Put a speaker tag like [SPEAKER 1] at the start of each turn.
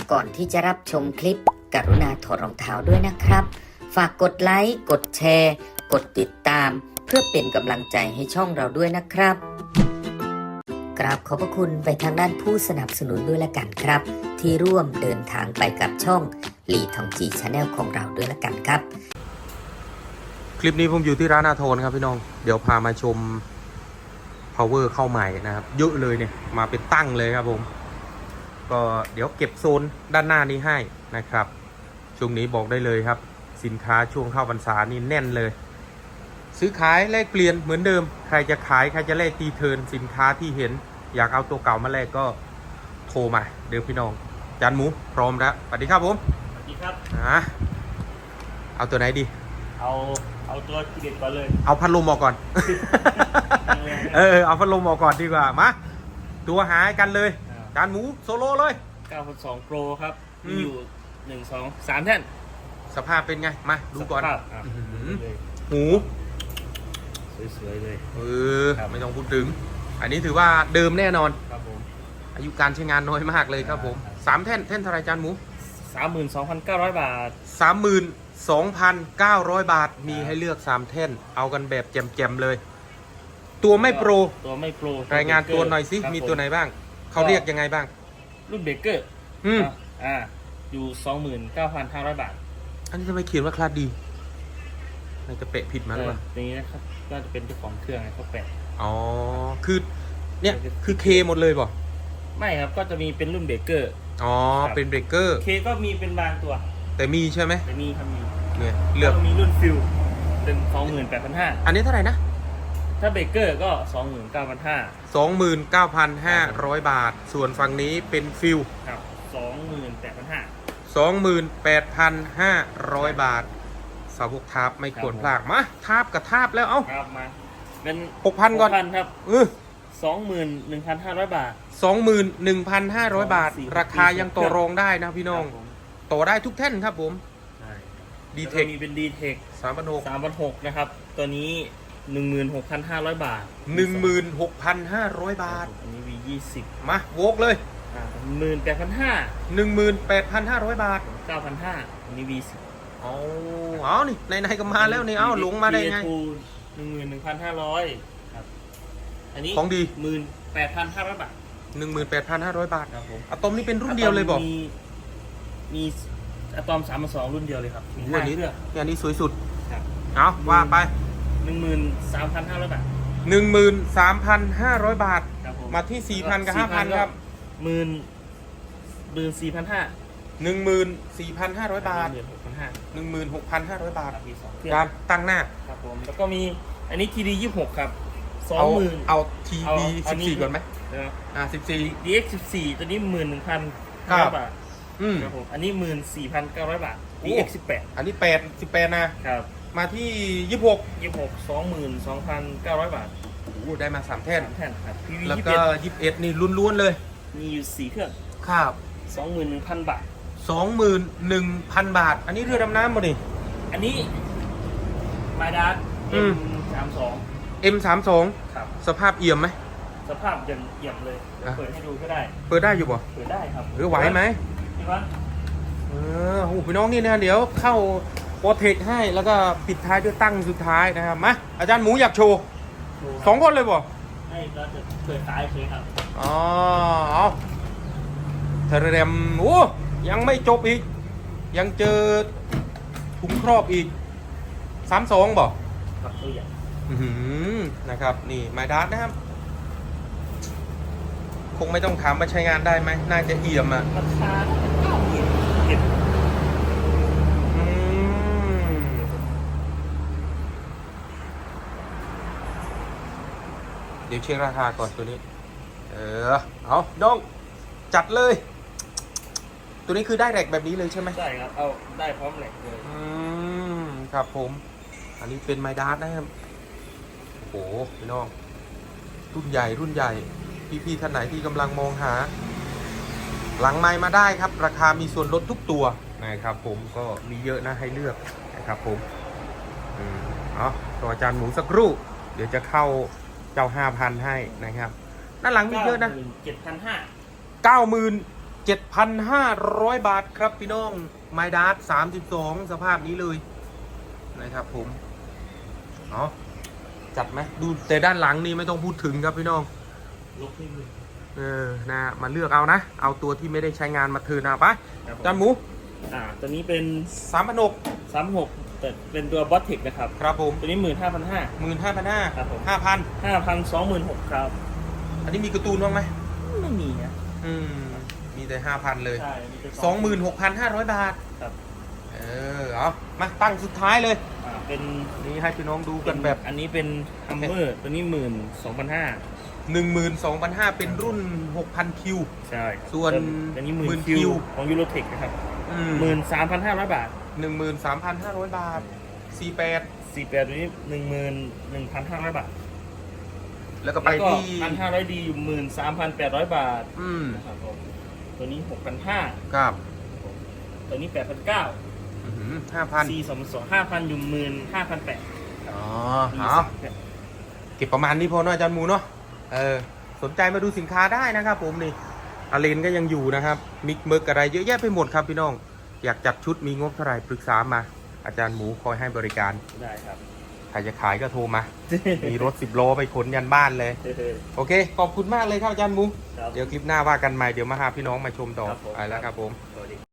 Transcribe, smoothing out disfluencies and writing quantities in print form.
[SPEAKER 1] ก่อนที่จะรับชมคลิปกรุณาถอดรองเท้าด้วยนะครับฝากกดไลค์กดแชร์กดติดตามเพื่อเป็นกำลังใจให้ช่องเราด้วยนะครับกราบขอบพระคุณไปทางด้านผู้สนับสนุนด้วยละกันครับที่ร่วมเดินทางไปกับช่องหลีทองจีชาแนลของเราด้วยละกันครับ
[SPEAKER 2] คลิปนี้ผมอยู่ที่ร้านอาโทนครับพี่น้องเดี๋ยวพามาชม power เข้าใหม่นะครับเยอะเลยเนี่ยมาเป็นตั้งเลยครับผมก็เดี๋ยวเก็บโซนด้านหน้านี้ให้นะครับช่วงนี้บอกได้เลยครับสินค้าช่วงเข้าพรรษานี่แน่นเลยซื้อขายแลกเปลี่ยนเหมือนเดิมใครจะขายใครจะแลกตีเทิร์นสินค้าที่เห็นอยากเอาตัวเก่ามาแลกก็โทรมาเดี๋ยวพี่น้องจานหมูพร้อมแล้วสวัสดีครับผม
[SPEAKER 3] สวัสดีครับ
[SPEAKER 2] เอาตัวไหนดี
[SPEAKER 3] เอาตัวทีเด็ดก่อนเลย
[SPEAKER 2] เอาพัดลมออกก่อน เอาพัดลมออกก่อนดีกว่ามาตัวหายกันเลยจานหมูโซโล่เลย
[SPEAKER 3] 9.2 Pro ครับมีอยู่1 2 3แท่น
[SPEAKER 2] สภาพเป็นไงมาดูก่อนหู
[SPEAKER 3] สวยๆเลย
[SPEAKER 2] ไม่ต้องพูดถึงอันนี้ถือว่าเดิมแน่นอน
[SPEAKER 3] ครับผม
[SPEAKER 2] อายุการใช้งานน้อยมากเลยครับผม3แท่นเท่าไรจานหมู
[SPEAKER 3] 32,900 บาท
[SPEAKER 2] 32,900 บาทมีให้เลือก3แท่นเอากันแบบแจ่มๆเลยตัวไม่โปรรายงานตัวหน่อยสิมีตัวไหนบ้างเขาเรียกยังไงบ้าง
[SPEAKER 3] รุ่นเบเกอร์อยู่ 29,500 บาท
[SPEAKER 2] อันนี้ทำไมเขียนว่าคลาสดีน่าจะเปะผิดมาหรือเปล่า
[SPEAKER 3] อย่างนี้นะครับก็จะเป็นเจ้าของเครื่องเขาแปะ
[SPEAKER 2] อ๋อคือเนี่ยคือเคหมดเลยป่ะ
[SPEAKER 3] ไม่ครับก็จะมีเป็นรุ่นเบเกอร์
[SPEAKER 2] อ๋อเป็นเบรกเกอร์
[SPEAKER 3] เคก็มีเป็นบางตัว
[SPEAKER 2] แต่มีใช่ไหม
[SPEAKER 3] แต่มีครับมี
[SPEAKER 2] เนี่ยเลือก
[SPEAKER 3] มีรุ่นฟิลเป็น 28,500
[SPEAKER 2] อันนี้เท่าไหร่นะ
[SPEAKER 3] ถ้าเบเกอร์ก็
[SPEAKER 2] 29,500 บาทส่วนฝั่งนี้เป็นฟิล
[SPEAKER 3] ครับ
[SPEAKER 2] 28,500 บาทสาวกทาบไม่ควรพลาดมาทาบกับทาบแล้วเอ้า
[SPEAKER 3] มาเป็น
[SPEAKER 2] 6,000 ก่อน
[SPEAKER 3] ครับ21,500 บาท
[SPEAKER 2] 21,500 บาทราคายังต่อรองได้นะพี่น้องต่อได้ทุกแท่นครับผม
[SPEAKER 3] ดีเทคมีเป็นดีเทค3,600นะครับตัวนี้ 16,500 บาท
[SPEAKER 2] 16,500 บาท
[SPEAKER 3] อันนี้ V20
[SPEAKER 2] มาโวกเลย
[SPEAKER 3] 18,500
[SPEAKER 2] บาท
[SPEAKER 3] 9,500อันนี้ V10
[SPEAKER 2] เอานี่ในก็มาแล้วนี่เอาหลงมาได้ไง
[SPEAKER 3] 11,500ครับอันนี้
[SPEAKER 2] ของดี
[SPEAKER 3] 18,500 บาท
[SPEAKER 2] 18,500 บาทครับผมอะตอมนี่เป็นรุ่นเดียวเลยบอก
[SPEAKER 3] มีอะตอม3.2รุ่นเดียวเลยครับมี
[SPEAKER 2] 5เครื่องอันนี้สวยสุด
[SPEAKER 3] ครับ
[SPEAKER 2] เอาว่าไป
[SPEAKER 3] 13,500 บาท
[SPEAKER 2] 13,500 บาทมาที่ 4,000 กับ 5,000 ครับ14,500 บาท16,500 บาทการตั้งหน้า
[SPEAKER 3] ครับผมแล้วก็มีอันนี้ TD 26ครับ
[SPEAKER 2] 20,000เอาทีวี14ก่อนไหม14
[SPEAKER 3] DX 14ตัวนี้ 11,500 บาทครับผมอันนี้ 14,900 บาท DX 18
[SPEAKER 2] อันนี้18นะครับมาที่26
[SPEAKER 3] 22,900 บาท
[SPEAKER 2] ได้มา3แท่น
[SPEAKER 3] ครับ PV
[SPEAKER 2] แล้วก็21นี่ล้วนๆเลย
[SPEAKER 3] มีอยู่4เครื่อง
[SPEAKER 2] ครับ
[SPEAKER 3] 21,000 บาท
[SPEAKER 2] 21,000 บาทอันนี้เรือดำน้ำหมดนี่
[SPEAKER 3] อันนี้มาดาร์M32 ครับ
[SPEAKER 2] สภาพเอี่ยมไหม
[SPEAKER 3] สภาพยังเอี่ยมเลยเปิดให้ดูก็ได้
[SPEAKER 2] เปิดได้อยู่ป่ะ
[SPEAKER 3] เปิดได้ครับ
[SPEAKER 2] หรือไหวไหม
[SPEAKER 3] พี่วัด
[SPEAKER 2] พี่น้องนี่นะเดี๋ยวเข้าโปรเทคให้แล้วก็ปิดท้ายด้วยตั้งสุดท้ายนะครับมาอาจารย์หมูอยากโชว์2 คนเลยป่ะ
[SPEAKER 3] ให้เราจะเปิดท้ายเลยครับ
[SPEAKER 2] เอาเทเรมยังไม่จบอีกยังเจอถุงครอบอีก32บ่
[SPEAKER 3] ครับตัวใหญ่
[SPEAKER 2] นะครับนี่ไมดัสนะครับคงไม่ต้องถามว่าใช้งานได้ไหมน่าจะเอี่ยมอ่ะ
[SPEAKER 3] ราคา
[SPEAKER 2] เดี๋ยวเช็คราคาก่อนตัวนี้เอาดองจัดเลยตัวนี้คือได้แรกแบบนี้เลยใช่ไหม
[SPEAKER 3] ใช่ครับเอาได้พร้อมแหลกเลย
[SPEAKER 2] ครับผมอันนี้เป็นไมดัสนะครับโอ้โหพี่น้องรุ่นใหญ่พี่ท่านไหนที่กำลังมองหาหลังไมค์มาได้ครับราคามีส่วนลดทุกตัวนะครับผมก็มีเยอะนะให้เลือกนะครับผมตัวอาจารย์หมูสักครู่เดี๋ยวจะเข้าเจ้า 5,000 ให้นะครับด้านหลังมีเยอะนะ
[SPEAKER 3] 97,500
[SPEAKER 2] 90,000 7,500 บาทครับพี่น้องไมดาร์32 สภาพนี้เลยนะครับผมเนาะจัดไหมดูแต่ด้านหลังนี่ไม่ต้องพูดถึงครับพี่น้อง
[SPEAKER 3] ลบนิดนึง
[SPEAKER 2] นะมาเลือกเอานะ เอาตัวที่ไม่ได้ใช้งานมาเทิร์นเอาไป
[SPEAKER 3] ครับผม
[SPEAKER 2] จานหมู
[SPEAKER 3] ตัวนี้เป็น
[SPEAKER 2] 3,600
[SPEAKER 3] 36แต่เป็นตัวบอสเทคนะครับ
[SPEAKER 2] ครับผม
[SPEAKER 3] ตัวนี้ 15,500
[SPEAKER 2] 15,500
[SPEAKER 3] ครับผม
[SPEAKER 2] 5,000
[SPEAKER 3] 5,026ครับ
[SPEAKER 2] อันนี้มีการ์ตูนบ้างไหม
[SPEAKER 3] ไม่มีนะ
[SPEAKER 2] มีแต่ 5,000 เลย
[SPEAKER 3] ใช่มีแต่
[SPEAKER 2] 26,500 บาท
[SPEAKER 3] ครับ
[SPEAKER 2] เอามาตั้งสุดท้ายเลย
[SPEAKER 3] เป็น
[SPEAKER 2] นี่ให้พี่น้องดูกันแบบ
[SPEAKER 3] อันนี้เป็นฮัมเมอร์ตัวนี้ 12,500
[SPEAKER 2] 12,500 เป็นรุ่น 6,000 คิว
[SPEAKER 3] ใช่
[SPEAKER 2] ส่วน
[SPEAKER 3] อันนี้
[SPEAKER 2] 10,000
[SPEAKER 3] 10,000 คิวของยูโรเทคนะครับ 13,500 บาท
[SPEAKER 2] 13,500 บาท 48
[SPEAKER 3] 48ตัวนี้ 11,500 บาท
[SPEAKER 2] แล้วก็ไป
[SPEAKER 3] แล้วก็
[SPEAKER 2] ที่
[SPEAKER 3] 1,500 ดีอยู่ 13,800 บาท
[SPEAKER 2] อืม
[SPEAKER 3] นะครับผมตัวนี้ 6,500
[SPEAKER 2] ครับ
[SPEAKER 3] ตัวนี้ 8,900
[SPEAKER 2] 5,000
[SPEAKER 3] 4,200 5,000 อยู่ 15,800
[SPEAKER 2] อ๋อเอาเก็บประมาณนี้พอเนาะอาจารย์หมูเนาะสนใจมาดูสินค้าได้นะครับผมนี่อาเลนก็ยังอยู่นะครับมิกเมิร์กอะไรเยอะแยะไปหมดครับพี่น้อง อยากจัดชุดมีงบเท่าไหร่ปรึกษามา อาจารย์หมูคอยให้บริการ
[SPEAKER 3] ได้ครับ
[SPEAKER 2] ใครจะขายก็โทรมา มีรถ10 ล้อไปขนยันบ้านเลย โอเค ขอบคุณมากเลยครับอาจารย์หมู
[SPEAKER 3] ครับ
[SPEAKER 2] เดี๋ยวคลิปหน้าว่ากันใหม่ เดี๋ยวมาหาพี่น้องมาชมต่อ
[SPEAKER 3] ครับผม
[SPEAKER 2] ไปแล้วครับผม
[SPEAKER 3] สวัสดี